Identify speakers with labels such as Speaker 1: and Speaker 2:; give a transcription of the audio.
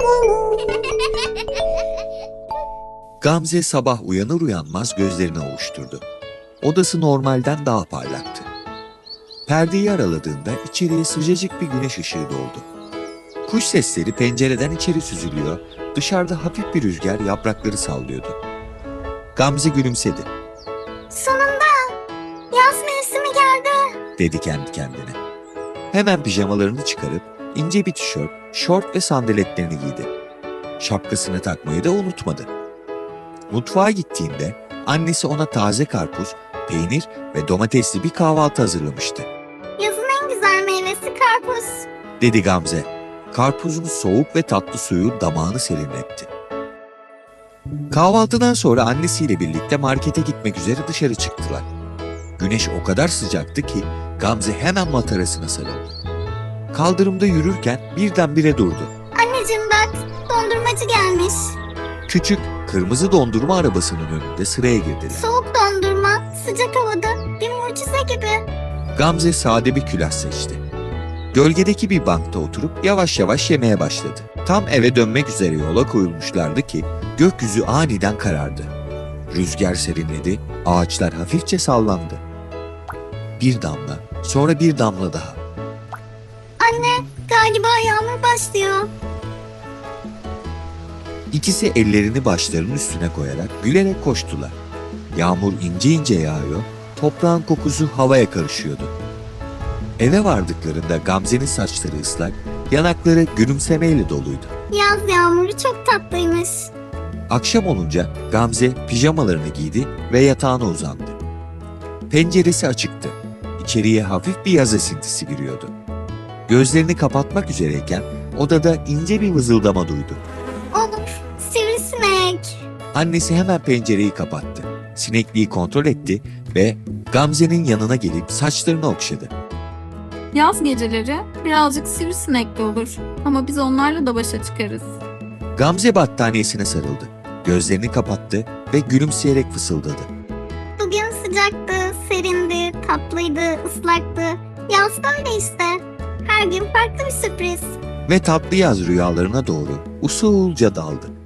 Speaker 1: Gamze sabah uyanır uyanmaz gözlerini ovuşturdu. Odası normalden daha parlaktı. Perdeyi araladığında içeriye sıcacık bir güneş ışığı doldu. Kuş sesleri pencereden içeri süzülüyor, dışarıda hafif bir rüzgar yaprakları sallıyordu. Gamze gülümsedi.
Speaker 2: Sonunda yaz mevsimi geldi.
Speaker 1: Dedi kendi kendine. Hemen pijamalarını çıkarıp ince bir tişört, şort ve sandaletlerini giydi. Şapkasını takmayı da unutmadı. Mutfağa gittiğinde annesi ona taze karpuz, peynir ve domatesli bir kahvaltı hazırlamıştı.
Speaker 2: Yazın en güzel meyvesi karpuz.
Speaker 1: Dedi Gamze. Karpuzun soğuk ve tatlı suyu damağını serinletti. Kahvaltıdan sonra annesiyle birlikte markete gitmek üzere dışarı çıktılar. Güneş o kadar sıcaktı ki Gamze hemen matarasına sarıldı. Kaldırımda yürürken birdenbire durdu.
Speaker 2: Anneciğim bak, dondurmacı gelmiş.
Speaker 1: Küçük, kırmızı dondurma arabasının önünde sıraya girdiler.
Speaker 2: Soğuk dondurma, sıcak havada, bir mucize gibi.
Speaker 1: Gamze sade bir külah seçti. Gölgedeki bir bankta oturup yavaş yavaş yemeye başladı. Tam eve dönmek üzere yola koyulmuşlardı ki gökyüzü aniden karardı. Rüzgar serinledi, ağaçlar hafifçe sallandı. Bir damla, sonra bir damla daha.
Speaker 2: Anne, galiba yağmur başlıyor.
Speaker 1: İkisi ellerini başlarının üstüne koyarak gülerek koştular. Yağmur ince ince yağıyor, toprağın kokusu havaya karışıyordu. Eve vardıklarında Gamze'nin saçları ıslak, yanakları gülümsemeyle doluydu.
Speaker 2: Yaz yağmuru çok tatlıymış.
Speaker 1: Akşam olunca Gamze pijamalarını giydi ve yatağına uzandı. Penceresi açıktı. İçeriye hafif bir yaz esintisi giriyordu. Gözlerini kapatmak üzereyken odada ince bir vızıldama duydu.
Speaker 2: Of, sivrisinek.
Speaker 1: Annesi hemen pencereyi kapattı. Sinekliği kontrol etti ve Gamze'nin yanına gelip saçlarını okşadı.
Speaker 3: Yaz geceleri birazcık sivrisinekli olur ama biz onlarla da başa çıkarız.
Speaker 1: Gamze battaniyesine sarıldı. Gözlerini kapattı ve gülümseyerek fısıldadı.
Speaker 2: Bugün sıcaktı, serindi, tatlıydı, ıslaktı. Yaz böyle işte. Her gün farklı bir sürpriz.
Speaker 1: Ve tatlı yaz rüyalarına doğru usulca daldı.